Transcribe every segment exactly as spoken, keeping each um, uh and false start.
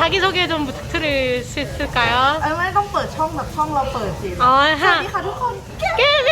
자기소개 좀 부탁드릴 수 있을까요? เอ้ยไม่ต้องเปิดช่องแบบช่องเราเปิดสิอ๋อสวัสดีค่ะทุกคน 깨빈!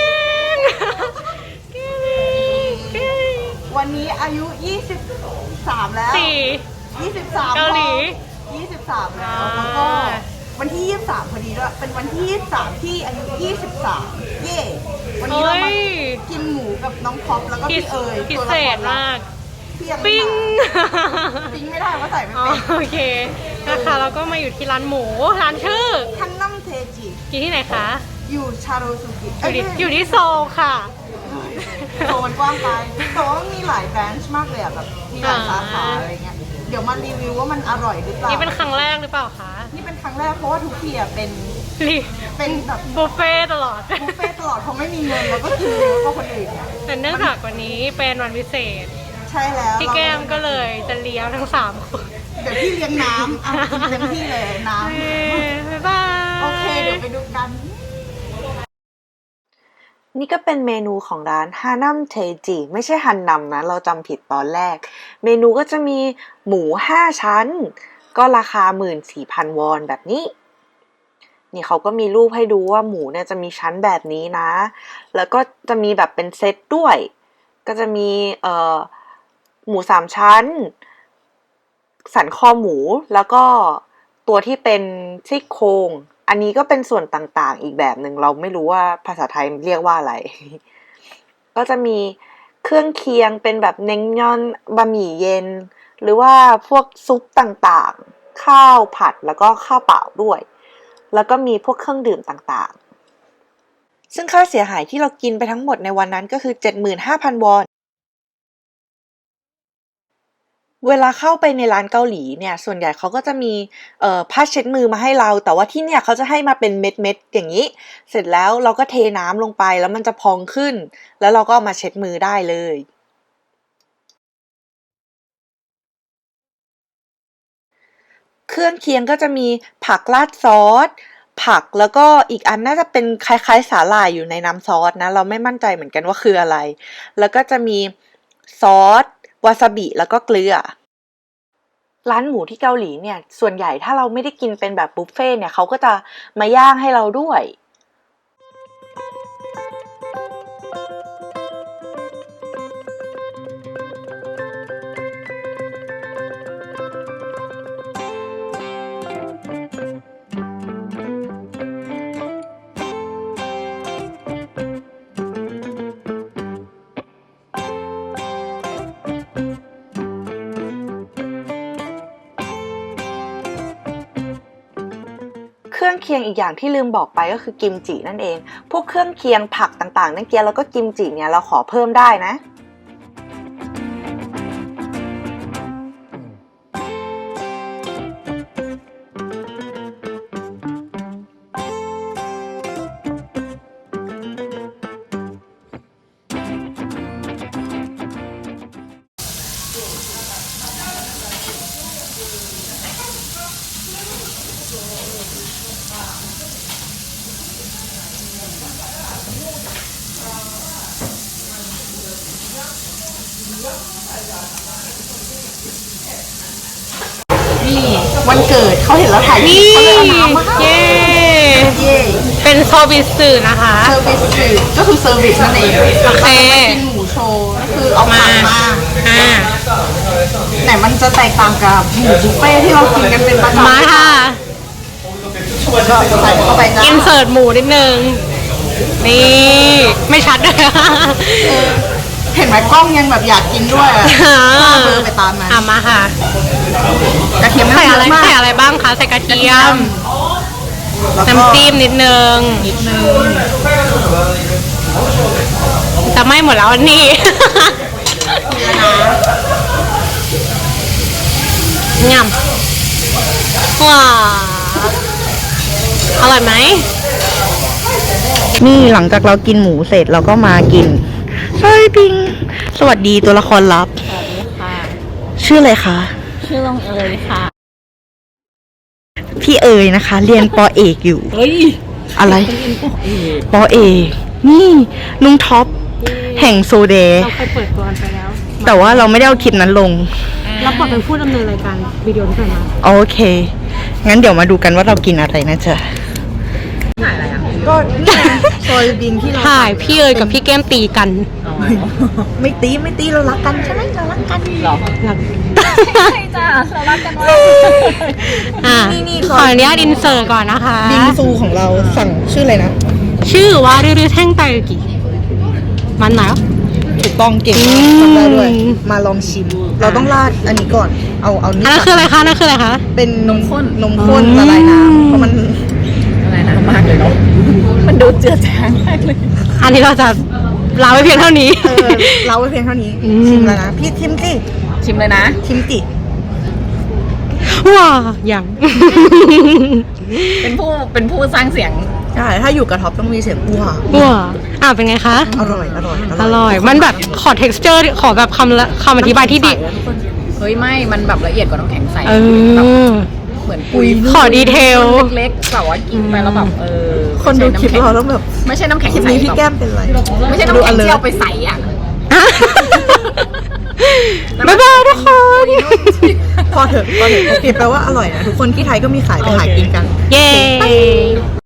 깨빈! 깨빈! วันนี้อายุยี่สิบสามแล้วสี่ยี่สิบสามเกาหลียี่สิบสามแล้วอ่าแล้วก็วันที่ยี่สิบสามพอดีด้วยเป็นวันที่ยี่สิบสามที่อายุยี่สิบสามเย่วันนี้เรามากินหมูกับน้องพ็อปแล้วก็พิพี่เอ๋ยพิตัวเศละคษรลัมากที่ยังไม่ปิ้งมาปิ้งไม่ได้ว่าะใส่ไม่อ๋อเป็นโอเคนะคะเราก็มาอยู่ที่ร้านหมูร้านชื่อคันนัมเทจิอยู่ที่ไหนคะอยู่ชาโรสุกิอยู่ที่อยู่ที่โซลค่ะโซนกว้างไปแต่ว่ามีหลายแบรนช์มากเลยอะแบบมีหลายสาขาอะไรเงี้ยเดี๋ยวมารีวิวว่ามันอร่อยหรือเปล่านี่เป็นครั้งแรกหรือเปล่าคะนี่เป็นครั้งแรกเพราะว่าทุกทีอะเป็นรีเป็นแบบบุฟเฟ่ตลอดบุฟเฟ่ต์ตลอดเพราะไม่มีเงินแล้วก็กินเยอะกว่าคนอื่นเนี่ยแต่เนื่องจากวันนี้เป็นวันพิเศษใช่แล้วพี่แก้มก็เลยจะเลี้ยงทั้งสามคนเดี๋ยวพี่เลี้ยงน้ำอ่ะกินเต็มที่เลยน้เย้บ๊ายบายำโอเคเดี๋ยวไปดูกันนี่ก็เป็นเมนูของร้านฮานัมเทจิไม่ใช่ฮันนัมนะเราจำผิดตอนแรกเมนูก็จะมีหมูห้าชั้นก็ราคา หนึ่งหมื่นสี่พัน วอนแบบนี้นี่เขาก็มีรูปให้ดูว่าหมูเนี่ยจะมีชั้นแบบนี้นะแล้วก็จะมีแบบเป็นเซตด้วยก็จะมีเอ่อหมูสามชั้นสันคอหมูแล้วก็ตัวที่เป็นซี่โครงอันนี้ก็เป็นส่วนต่างๆอีกแบบหนึ่งเราไม่รู้ว่าภาษาไทยเรียกว่าอะไร ก็จะมีเครื่องเคียงเป็นแบบเน้งยอนบะหมี่เย็นหรือว่าพวกซุปต่างๆข้าวผัดแล้วก็ข้าวเปล่าด้วยแล้วก็มีพวกเครื่องดื่มต่างๆซึ่งค่าเสียหายที่เรากินไปทั้งหมดในวันนั้นก็คือ เจ็ดหมื่นห้าพัน วอนเวลาเข้าไปในร้านเกาหลีเนี่ยส่วนใหญ่เขาก็จะมีเอ่อผ้าเช็ดมือมาให้เราแต่ว่าที่เนี่ยเขาจะให้มาเป็นเม็ดๆอย่างนี้เสร็จแล้วเราก็เทน้ำลงไปแล้วมันจะพองขึ้นแล้วเราก็เอามาเช็ดมือได้เลยเครื่องเคียงก็จะมีผักราดซอสผักแล้วก็อีกอันน่าจะเป็นคล้ายๆสาหร่ายอยู่ในน้ำซอสนะเราไม่มั่นใจเหมือนกันว่าคืออะไรแล้วก็จะมีซอสวาซาบิแล้วก็เกลือร้านหมูที่เกาหลีเนี่ยส่วนใหญ่ถ้าเราไม่ได้กินเป็นแบบบุฟเฟ่เนี่ยเขาก็จะมาย่างให้เราด้วยเครื่องเคียงอีกอย่างที่ลืมบอกไปก็คือกิมจินั่นเองพวกเครื่องเคียงผักต่างๆนั่นเกียแล้วก็กิมจิเนี่ยเราขอเพิ่มได้นะนี่วันเกิดเขาเห็นเราถ่ายนี่เขาเลยเอาน้ำมาให้เย้เย่เป็นโซบิสึนะคะเซอร์วิสก็คือเซอร์วิสนั่นเองโอเคกินหมูโชว์ก็คือเอาผักมาอ่าไหนมันจะแตกต่างกับหมูบุฟเฟ่ที่เรากินกันเป็นประจำมาค่ะก็ใส่เข้าไปจ้าอินเสิร์ตหมูนิดนึงนี่ไม่ชัดเลยเห็นไหมกล้องยังแบบอยากกินด้วยอะก็เบอร์ไปตามนั้นอ่ะมาค่ะกระเทียมไม่ใส่เยอะไรอะมากใส่อะไรบ้างคะใส่กระเทียมแล้วก็น้ำจิ้มนิดนึงนิดนึงจะไหม้หมดแล้วอันนี้ ง่ำว้าอร่อยไหมนี่หลังจากเรากินหมูเสร็จเราก็มากินเฮ้ยปิงสวัสดีตัวละครลับสวัสดีค่ะชื่ออะไรคะชื่อลงเอยค่ะพี่เอ๋ยนะคะ เรียนปอเอกอยู่เฮ้ยอะไรเป็นอินโปเอกปอเอกนี่นุ้งท็อปแห่งโซเดเราเคยเปิดตัวกันไปแล้วแต่ว่าเราไม่ได้เอาคลิปนั้นลงรับบทเป็นผู้ดำเนินรายการวิดีโอที่ผ่านมาโอเคโงั้นเดี๋ยวมาดูกันว่าเรากินอะไรนะจ๊ะก็นี่ไงโซยบินที่เราถ่ายพี่เอ๋ยกับพี่แก้มตีกันไม่ตีไม่ตีเรารักกันใช่ไหมเรารักกันหรอใช่จ้าเรารักกันว่าอ่ะนี่นี่ขออนุญาตอินเสิร์ตก่อนนะคะบิงซูของเราสั่งชื่ออะไรนะชื่อว่ารื้อแท่งไตกิมันไหนถูกต้องเก่งมากอืมทำได้ด้วย มาลองชิม เราต้องราดอันนี้ก่อน เอาเอานี่อันนั้นคืออะไรคะอันนั่นคืออะไรคะเป็นนมข้นนมข้นละลายน้ำเพราะมันอะไรนะมากเลยเนาะมันดูเจือจางมากเลยอันนี้เราจะลาไว้เพียงเท่านี้เออเราไว้เพียงเท่านี้อืมชิมแล้วนะ พี่ชิมสิชิมเลยนะชิมจิว้าอย่างเป็นผู้เป็นผู้สร้างเสียงใช่ ถ้าอยู่กับท็อปต้องมีเสียงอ้วว้าอ่ะเป็นไงคะอร่อย อร่อยอร่อย มันแบบขอ texture ขอแบบคำละคำอธิบายที่ดีเฮ้ยไม่มันแบบละเอียดกว่าน้ำแข็งใสเอแบบอเหมือนปุยขอดีเทลเล็กๆแบบว่ากินไปแล้วแบบเออคนดูคลิปเราต้องแบบไม่ใช่น้ำแข็งคลิปใสนี้พี่แก้มเป็นไรไม่ใช่น้ำแข็งที่เอาไปใส่อ่ะบ๊ายบายทุกคนพอเถอะพอเถอะโอเคแปลว่าอร่อยนะ ทุกคนที่ไทยก็มีขายไปหากินกันเย้